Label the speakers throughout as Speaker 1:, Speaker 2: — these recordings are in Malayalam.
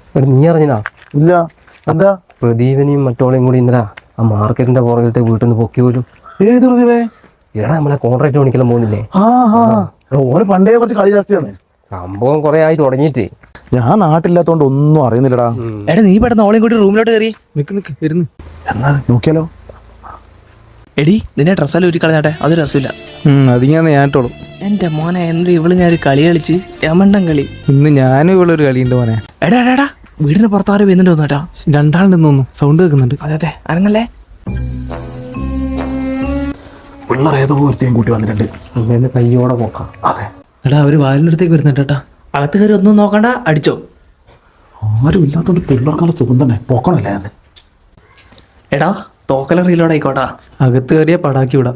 Speaker 1: നീ അറിഞ്ഞാ?
Speaker 2: ഇല്ല. എന്താ?
Speaker 1: പ്രദീപനെയും മറ്റോളെയും കൂടി ഇന്നലെ ആ മാർക്കറ്റിന്റെ പുറകിലത്തെ വീട്ടിൽ നിന്ന് പൊക്കി പോലും.
Speaker 2: ഏത് പ്രദീപേ?
Speaker 1: എടാ നമ്മളെ കോൺട്രാക്ട് പണിക്കെല്ലാം പോകുന്നില്ലേ?
Speaker 2: ഓന് പണ്ടേ കുറച്ച് കളി ജാസ്തിയാണ്.
Speaker 1: സംഭവം കുറെ ആയി തുടങ്ങിയിട്ട്.
Speaker 2: ഞാൻ നാട്ടില്ലാത്തോണ്ട് ഒന്നും അറിയുന്നില്ലടാ.
Speaker 3: എടാ നീ പെട്ടെന്ന് ഓളെയും കൂടി റൂമിലോട്ട് കയറി
Speaker 2: വരുന്നു. എന്നാ നോക്കിയാലോ?
Speaker 3: എടി നിന്നെ ഡ്രസ്സെല്ലാം ഒരു കളഞ്ഞാട്ടെ, അത് രസമില്ല.
Speaker 4: അതിങ്ങനെ ഞാനിട്ടോളൂ.
Speaker 3: എന്റെ മോനെ എന്ത് ഇവള് ഞാൻ ഒരു കളി കളിച്ച് രമണ്ടൻ കളി.
Speaker 4: ഇന്ന് ഞാനും ഇവളൊരു കളിയുണ്ട് മോനെ.
Speaker 3: എടാ വീടിന് പുറത്താരും വരുന്നുണ്ടോ കേട്ടാ?
Speaker 4: രണ്ടാളുണ്ടെന്ന് തോന്നുന്നു, സൗണ്ട് കേൾക്കുന്നുണ്ട്.
Speaker 3: അതെ അനങ്ങല്ലേ.
Speaker 2: പിള്ളേർ ഏതോ ഒരുത്തേയും കൂട്ടി വന്നിട്ടുണ്ട്.
Speaker 1: കയ്യോടെ പോക്കാം.
Speaker 2: അതെ.
Speaker 4: എടാ അവര് വാലിനടുത്തേക്ക് വരുന്നുണ്ട്.
Speaker 3: അകത്ത് കയറി ഒന്നും നോക്കണ്ട, അടിച്ചോ.
Speaker 2: ആരും ഇല്ലാത്തോണ്ട് പിള്ളേർക്കുള്ള സുഖം തന്നെ. പോക്കണല്ലേ അത്.
Speaker 3: എടാ തോക്കല റീലോഡ് ആയിക്കോട്ടാ.
Speaker 4: അകത്ത് കയറിയ പടാക്കി വിടാം.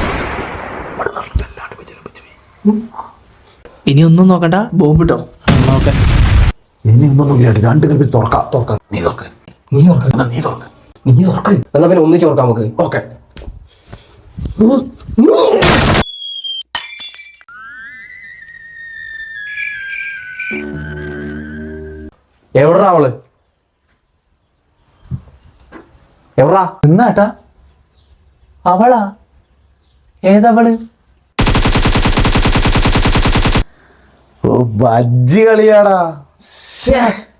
Speaker 3: ഇനി ഒന്നും നോക്കണ്ട, ബോംബിട്ടോ.
Speaker 4: ഓക്കെ.
Speaker 2: ഇനി ഒന്നും ഇല്ല. രണ്ട് കൽപ്പിൽ തുറക്കാം. നീ തുറക്ക്.
Speaker 1: എന്നാ പിന്നെ ഒന്നിച്ച് തുറക്കാം നമുക്ക്.
Speaker 2: ഓക്കെ.
Speaker 1: എവിടാ അവള്? എവിടാ?
Speaker 3: എന്നാട്ടാ അവളാ? ഏതവള്?
Speaker 2: ഓ ബജ്ജി കളിയാടാ.